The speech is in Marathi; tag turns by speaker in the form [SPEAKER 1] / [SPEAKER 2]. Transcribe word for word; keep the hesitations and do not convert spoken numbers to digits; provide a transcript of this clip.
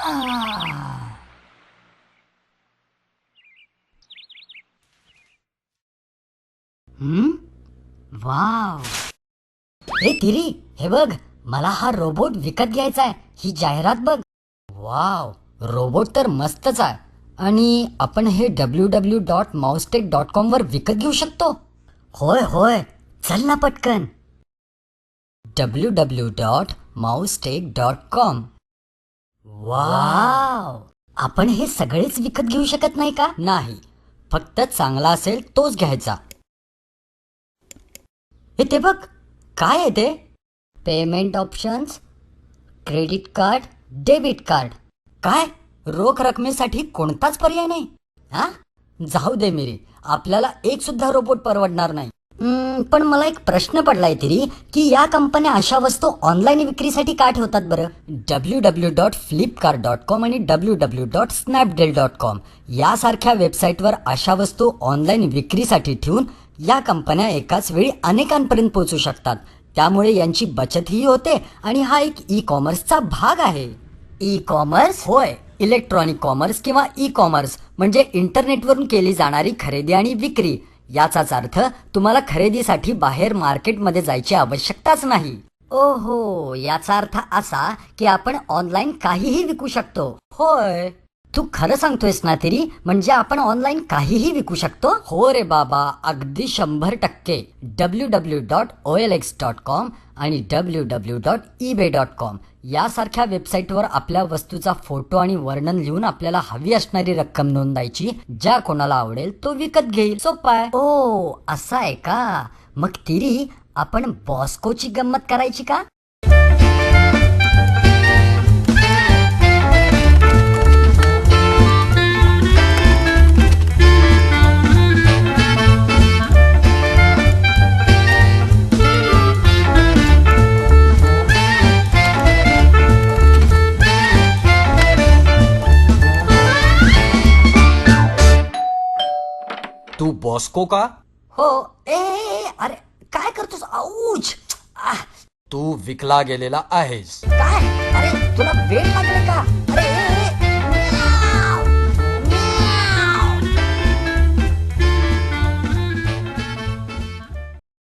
[SPEAKER 1] हम्म वाव. ए तिरी, हे बघ, मला हा रोबोट विकत घ्यायचा आहे. ही जाहिरात बघ. वाव, रोबोट तर मस्तच आहे. आणि आपण हे W W dot Mousetech dot com वर विकत घेऊ शकतो. होय होय, चल ना पटकन. W W dot Mousetech dot com. Wow, आपण हे सगळेच विकत घेऊ शकत नाही का? नाही, फक्त चांगला असेल तोच घ्यायचा. हे ते बघ, काय आहे ते? Payment options, credit card, debit card. काय, रोख रकमेसाठी कोणताच पर्याय नाही? हा, जाऊ दे मेरी, आपल्याला एक सुद्धा रोबोट परवडणार नाही. हम्म, पण मला एक प्रश्न पडलाय तरी की या कंपन्या अशा वस्तू ऑनलाईन विक्रीसाठी का ठेवतात बरं? W W dot Flipkart dot com आणि W W dot Snapdeal dot com यासारख्या वेबसाईटवर अशा वस्तू ऑनलाईन विक्रीसाठी ठेवून या कंपन्या एकाच वेळी अनेकांपर्यंत पोहोचू शकतात. त्यामुळे यांची बचतही होते आणि हा एक ई कॉमर्सचा भाग आहे. E commerce? होय, इलेक्ट्रॉनिक कॉमर्स किंवा ई कॉमर्स म्हणजे इंटरनेटवरून केली जाणारी खरेदी आणि विक्री. याचाच अर्थ तुम्हाला खरेदीसाठी बाहेर मार्केटमध्ये जायची आवश्यकताच नाही. ओहो, याचा अर्थ असा की आपण ऑनलाईन काहीही विकू शकतो. होय, तू खरं सांगतोयस ना तरी? म्हणजे आपण ऑनलाईन काहीही विकू शकतो? हो रे बाबा, अगदी शंभर टक्के. W W dot O L X dot com आणि W W dot eBay dot com यासारख्या वेबसाईटवर आपल्या वस्तूचा फोटो आणि वर्णन लिहून आपल्याला हवी असणारी रक्कम नोंदायची. ज्या कोणाला आवडेल तो विकत घेईल. सोपं आहे. ओ, असं आहे का? मग तिरी, आपण बॉस्कोची गंमत करायची का?
[SPEAKER 2] तू बॉस्को का?
[SPEAKER 1] हो. ए, ए, अरे काय करतोस? आऊच. आह,
[SPEAKER 2] तू विकला गेलेला आहेस.
[SPEAKER 1] काय? अरे तुला वेळ लागले का?